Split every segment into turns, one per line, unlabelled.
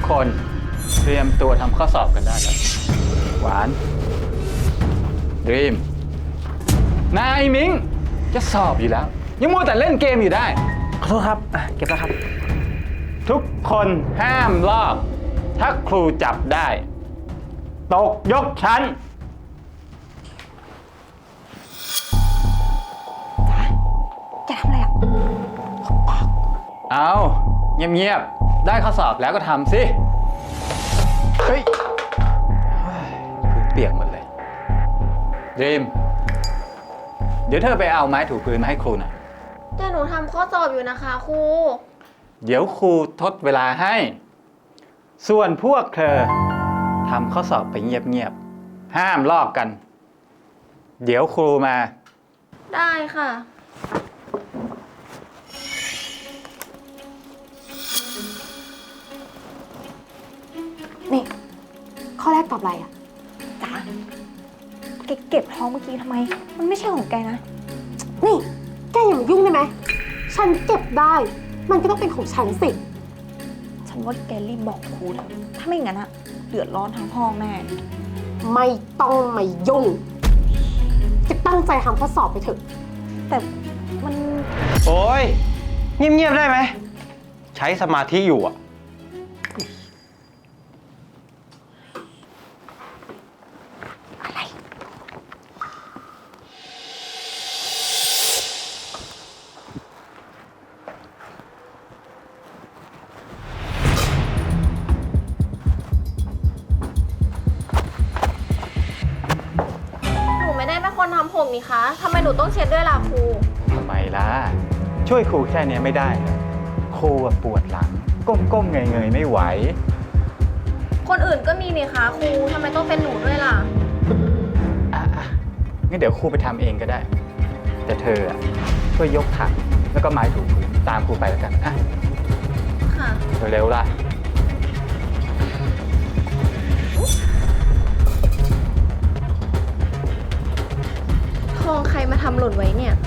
คนเตรียมตัวทำข้อสอบกันได้แล้วหวานดรีมนายมิงจะสอบอยู่แล้ว ยังมัวแต่เล่นเกมอยู่ได้
ขอโทษครับเก็บแล้วครับ
ทุกคนห้ามลอก ถ้าครูจับได้ ตกยกชั้น
แกทำอะไรอ่ะ
เอาเงียบๆ ได้ข้อสอบแล้วก็ทำสิ เฮ้ยพื้นเปียกหมดเลยดรีมเดี๋ยวเธอไปเอาไม้ถูพื้นมาให้ครูหน่อย
แต่หนูทำข้อสอบอยู่นะคะครู
เดี๋ยวครูทดเวลาให้ ส่วนพวกเธอทำข้อสอบไปเงียบๆ ห้ามลอกกัน เดี๋ยวครูมา
ได้ค่ะ
นี่ ข้อแรกตอบอะไรอ่ะจ๋าแกเก็บท้องเมื่อกี้ทำไม มันไม่ใช่ของแกนะ
นี่ แกอย่ามายุ่งได้ไหม ฉันเก็บได้ มันก็ต้องเป็นของฉันสิ
ฉันว่าแกรีบบอกครูเถอะถ้าไม่งั้นอะเดือดร้อนทั้งห้องแน่
ไม่ต้องมายุ่ง จะตั้งใจทำข้อสอบไปเถอะ
แต่มัน
โอ้ยเงียบๆได้ไหม ใช้สมาธิอยู่อ่ะ
หนูไม่ได้เป็นคนทำผมนี่คะทำไมหนูต้องเช็ดด้วยล่ะครู
ทำไมล่ะ ช่วยครูแค่นี้ไม่ได้เหรอครูอะปวดหลัง ก้มๆเงยๆไม่ไหว
คนอื่นก็มีนี่คะครูทำไมต้องเป็นหนูด้วยล่ะ
อ่ะงั้นเดี๋ยวครูไปทำเองก็ได้ แต่เธออะช่วยยกถังแล้วก็ไม้ถูพื้นตามครูไปแล้วกันอ่ะ
ค่ะ
เร็วๆล่ะ
ทองใครมาทำหล่นไว้เนี่ย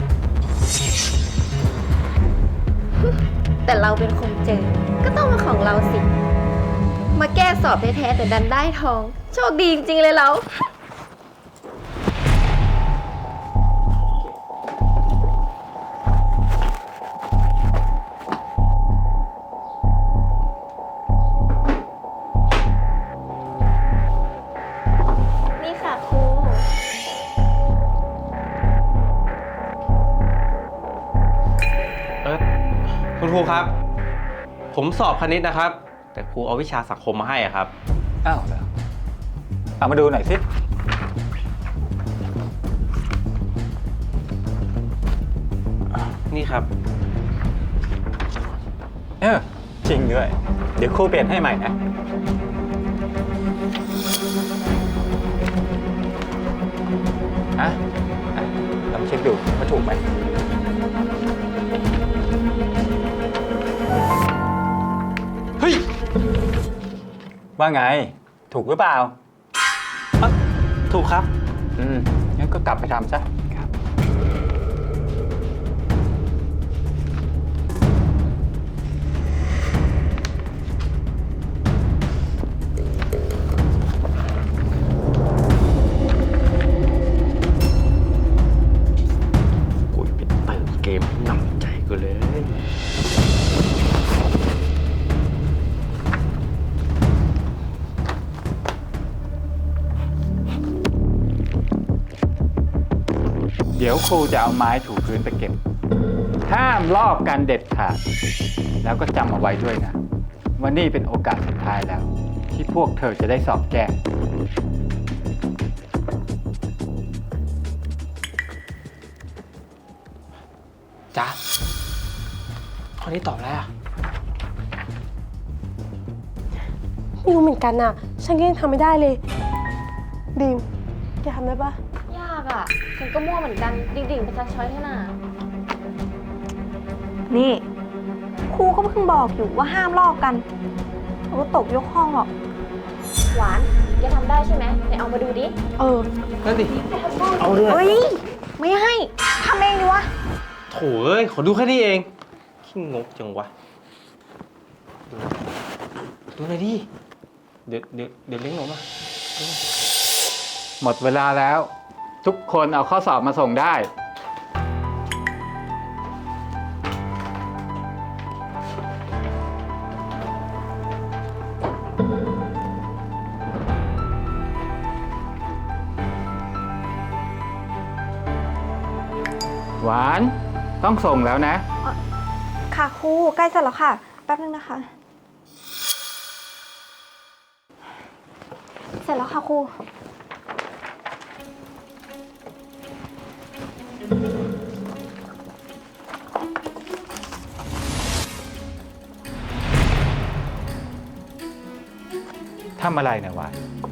แต่เราเป็นคนเจอ ก็ต้องเป็นของเราสิ มาแก้สอบแท้ๆแต่ดันได้ทอง โชคดีจริงๆเลยเรา นี่ค่ะครู
คุณครูครับ ผมสอบคณิตนะครับ แต่ครูเอาวิชาสังคมมาให้อะครับ
อ้าวเหรอเอามาดูหน่อยสิ
นี่ครับ
จริงด้วย เดี๋ยวครูเปลี่ยนให้ใหม่นะฮะอ่ะลองเช็คดูว่าถูกไหม
เฮ้ย
ว่าไง ถูกหรือเปล่า
ถูกครับ
งั้นก็กลับไปทำซะ
ครับ กูไปเติมเกมให้หนำใจกูเลย
เดี๋ยวครูจะเอาไม้ถูพื้นไปเก็บ ห้ามลอกกันเด็ดขาด แล้วก็จำเอาไว้ด้วยนะว่านี่เป็นโอกาสสุดท้ายแล้ว ที่พวกเธอจะได้สอบแก้
จ๊ะข้อนี้ตอบแล้วอะ
ไม่รู้เหมือนกันน่ะ ฉันก็ยังทำไม่ได้เลยบีมแกทำได้ปะ
ยากอ่ะ ฉันก็มั่วเหมือนกัน ดิ่งๆไปซักช้อยเท่าน่ะ
นี่ ครูก็เพิ่งบอกอยู่ว่าห้ามลอกกันเราก็ตกยกห้องหรอก
หวานแกทำได้ใช่ไหมไหนเอามาดูดิ
นั่นดิ เอาด้วย
เฮ้ย ไม่ให้ทำเองดีวะ
โถ่เอ้ย ขอดูแค่นี้เองขี้งกจังวะดูหน่อยดิ เดี๋ยวเลี้ยงหนูมา
หมดเวลาแล้ว ทุกคนเอาข้อสอบมาส่งได้ หวานต้องส่งแล้วนะ
ค่ะครูใกล้เสร็จแล้วค่ะ แป๊บนึงนะคะ เสร็จแล้วค่ะครู
ทำอะไรนะหวาน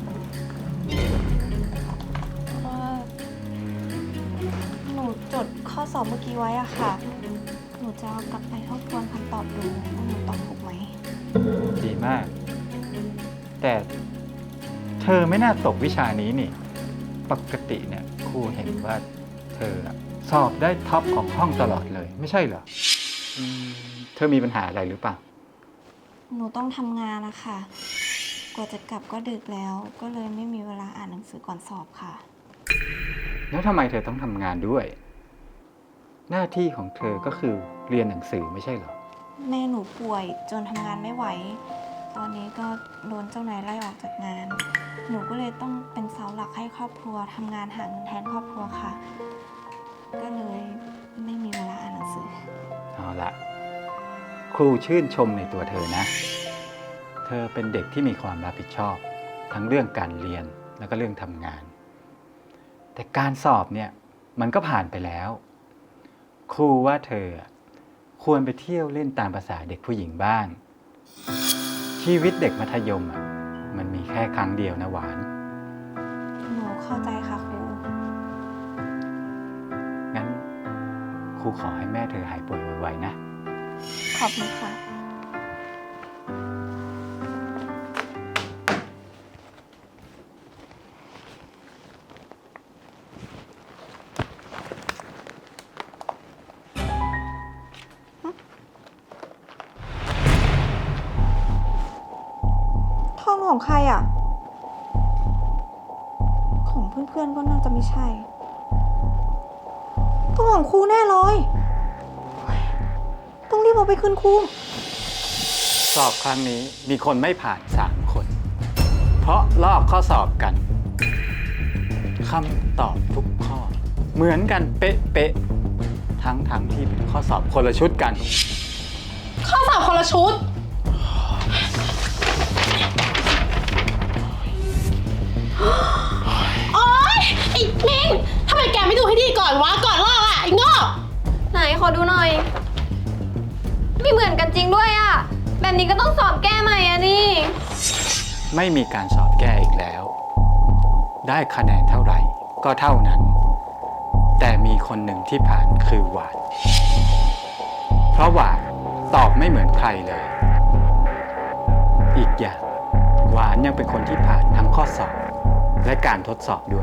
หนูจดข้อสอบเมื่อกี้ไว้อะค่ะ หนูจะเอากลับไปทบทวนคำตอบดูว่าหนูตอบถูกไหม
ดีมาก แต่เธอไม่น่าตกวิชานี้นี่ ปกติเนี่ยครูเห็นว่าเธออะสอบได้ท็อปของห้องตลอดเลย ไม่ใช่เหรอเธอมีปัญหาอะไรหรือเปล่า
หนูต้องทำงานนะคะ กว่าจะกลับก็ดึกแล้ว ก็เลยไม่มีเวลาอ่านหนังสือก่อนสอบค่ะ
แล้วทำไมเธอต้องทำงานด้วย หน้าที่ของเธอก็คือเรียนหนังสือไม่ใช่เหรอ
แม่หนูป่วยจนทำงานไม่ไหว ตอนนี้ก็โดนเจ้านายไล่ออกจากงาน หนูก็เลยต้องเป็นเสาหลักให้ครอบครัวทำงานหาเงินแทนครอบครัวค่ะ ก็เลยไม่มีเวลาอ่านหนังสือ
เอาละครูชื่นชมในตัวเธอนะ เธอเป็นเด็กที่มีความรับผิดชอบ ทั้งเรื่องการเรียนแล้วก็เรื่องทำงาน แต่การสอบเนี่ยมันก็ผ่านไปแล้ว ครูว่าเธอควรไปเที่ยวเล่นตามภาษาเด็กผู้หญิงบ้าง ชีวิตเด็กมัธยมมันมีแค่ครั้งเดียวนะหวาน
หนูเข้าใจค่ะครู
งั้นครูขอให้แม่เธอหายป่วยไวๆนะ
ขอบคุณค่ะ ทองของใครอ่ะ ของเพื่อนๆก็น่าจะไม่ใช่ ต้องของครูแน่เลยต้องรีบเอาไปคืนครู
สอบครั้งนี้มีคนไม่ผ่าน3 คน เพราะลอกข้อสอบกันคำตอบทุกข้อ เหมือนกันเป๊ะๆทั้งที่เป็นข้อสอบคนละชุดกัน
ข้อสอบคนละชุด โอ๊ยไอ้มิงทำไมแกไม่ดูให้ดีก่อนวะ ก่อนลอกอ่ะไอ้โง่
ไหนขอดูหน่อย ไม่เหมือนกันจริงด้วยอะแบบนี้ก็ต้องสอบแก้ใหม่อะนี่
ไม่มีการสอบแก้อีกแล้ว ได้คะแนนเท่าไหร่ก็เท่านั้น แต่มีคนหนึ่งที่ผ่านคือหวาน เพราะหวานตอบไม่เหมือนใครเลย อีกอย่างหวานยังเป็นคนที่ผ่านทั้งข้อสอบและการทดสอบด้วย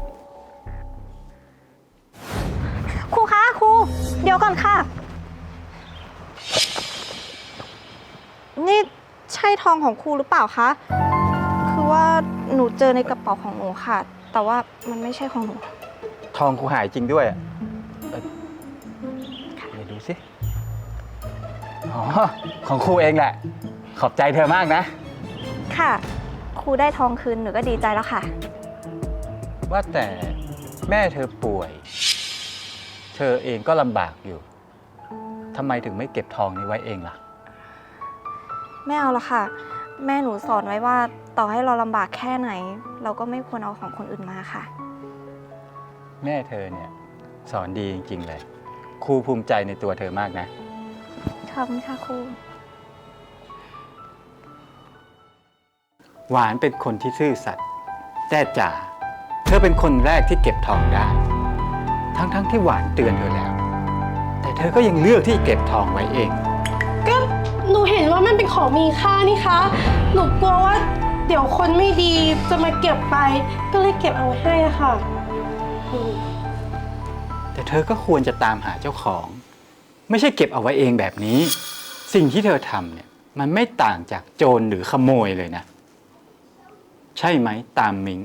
ครูคะครู เดี๋ยวก่อนค่ะ นี่ใช่ทองของครูหรือเปล่าคะ คือว่าหนูเจอในกระเป๋าของหนูค่ะ แต่ว่ามันไม่ใช่ของหนู
ทองครูหายจริงด้วยเดี๋ยวดูสิ อ๋อ ของครูเองแหละ ขอบใจเธอมากนะ
ค่ะ ครูได้ทองคืนหนูก็ดีใจแล้วค่ะ
ว่าแต่แม่เธอป่วย เธอเองก็ลำบากอยู่ ทำไมถึงไม่เก็บทองนี้ไว้เองล่ะ
ไม่เอาละค่ะ แม่หนูสอนไว้ว่าต่อให้เราลำบากแค่ไหน เราก็ไม่ควรเอาของคนอื่นมาค่ะ
แม่เธอเนี่ยสอนดีจริงๆเลย ครูภูมิใจในตัวเธอมากนะ
ขอบคุณค่ะครู
หวานเป็นคนที่ซื่อสัตย์แต่จ๋าเธอเป็นคนแรกที่เก็บทองได้ ทั้งที่หวานเตือนเธอแล้ว แต่เธอก็ยังเลือกที่เก็บทองไว้เอง
ก็หนูเห็นว่ามันเป็นของมีค่านี่คะ หนูกลัวว่าเดี๋ยวคนไม่ดีจะมาเก็บไป ก็เลยเก็บเอาไว้ให้อะค่ะ
แต่เธอก็ควรจะตามหาเจ้าของ ไม่ใช่เก็บเอาไว้เองแบบนี้ สิ่งที่เธอทำเนี่ยมันไม่ต่างจากโจรหรือขโมยเลยนะ ใช่ไหมตามมิง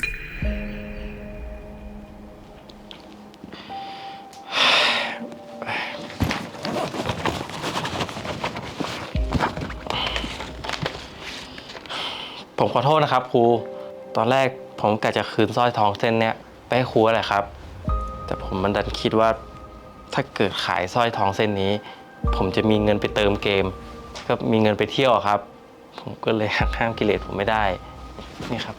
ผมขอโทษนะครับครู ตอนแรกผมกะจะคืนสร้อยทองเส้นเนี้ยไปให้ครูแหละครับ แต่ผมมันดันคิดว่าถ้าเกิดขายสร้อยทองเส้นนี้ ผมจะมีเงินไปเติมเกม ก็มีเงินไปเที่ยวอะครับ ผมก็เลยหักห้ามกิเลสผมไม่ได้ นี่ครับ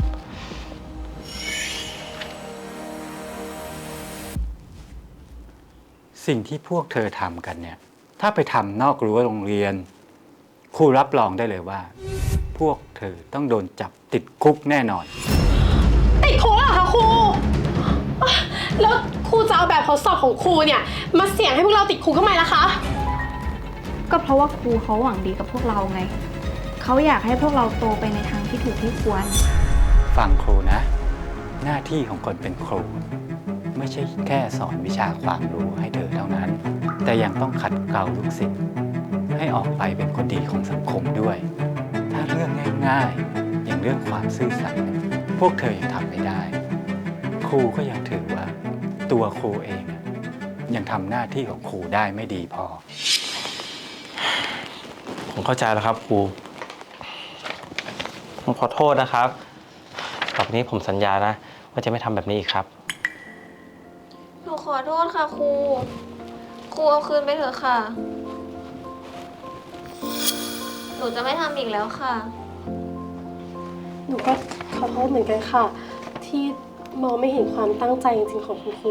สิ่งที่พวกเธอทำกันเนี่ย ถ้าไปทำนอกรั้วโรงเรียน ครูรับรองได้เลยว่า พวกเธอต้องโดนจับติดคุกแน่นอน
ติดคุกเหรอคะครู แล้วครูจะเอาแบบทดสอบของครูเนี่ยมาเสี่ยงให้พวกเราติดคุกทำไมล่ะคะ
ก็เพราะว่าครูเขาหวังดีกับพวกเราไง เขาอยากให้พวกเราโตไปในทางที่ถูกที่ควร
ฟังครูนะ หน้าที่ของคนเป็นครู ไม่ใช่แค่สอนวิชาความรู้ให้เธอเท่านั้น แต่ยังต้องขัดเกลาลูกศิษย์ให้ออกไปเป็นคนดีของสังคมด้วย ถ้าเรื่องง่ายๆ อย่างเรื่องความซื่อสัตย์พวกเธอยังทำไม่ได้ ครูก็ยังถือว่าตัวครูเองยังทำหน้าที่ของครูได้ไม่ดีพอ
ผมเข้าใจแล้วครับครู ผมขอโทษนะครับ ต่อไปนี้ผมสัญญานะ ว่าจะไม่ทำแบบนี้อีกครับ
หนูขอโทษค่ะครู ครูเอาคืนไปเถอะค่ะ หนูจะไม่ทำอีกแล้วค่ะ
หนูก็ขอโทษเหมือนกันค่ะ ที่มองไม่เห็นความตั้งใจจริงๆของคุณครู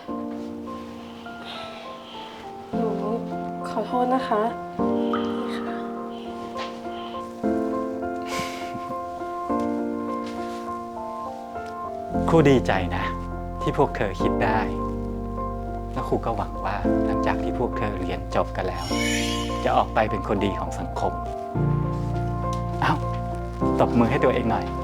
หนูขอโทษนะคะนี่ค่ะ
ครูดีใจนะ ที่พวกเธอคิดได้ และครูก็หวังว่าหลังจากที่พวกเธอเรียนจบกันแล้ว จะออกไปเป็นคนดีของสังคม เอ้าตบมือให้ตัวเองหน่อย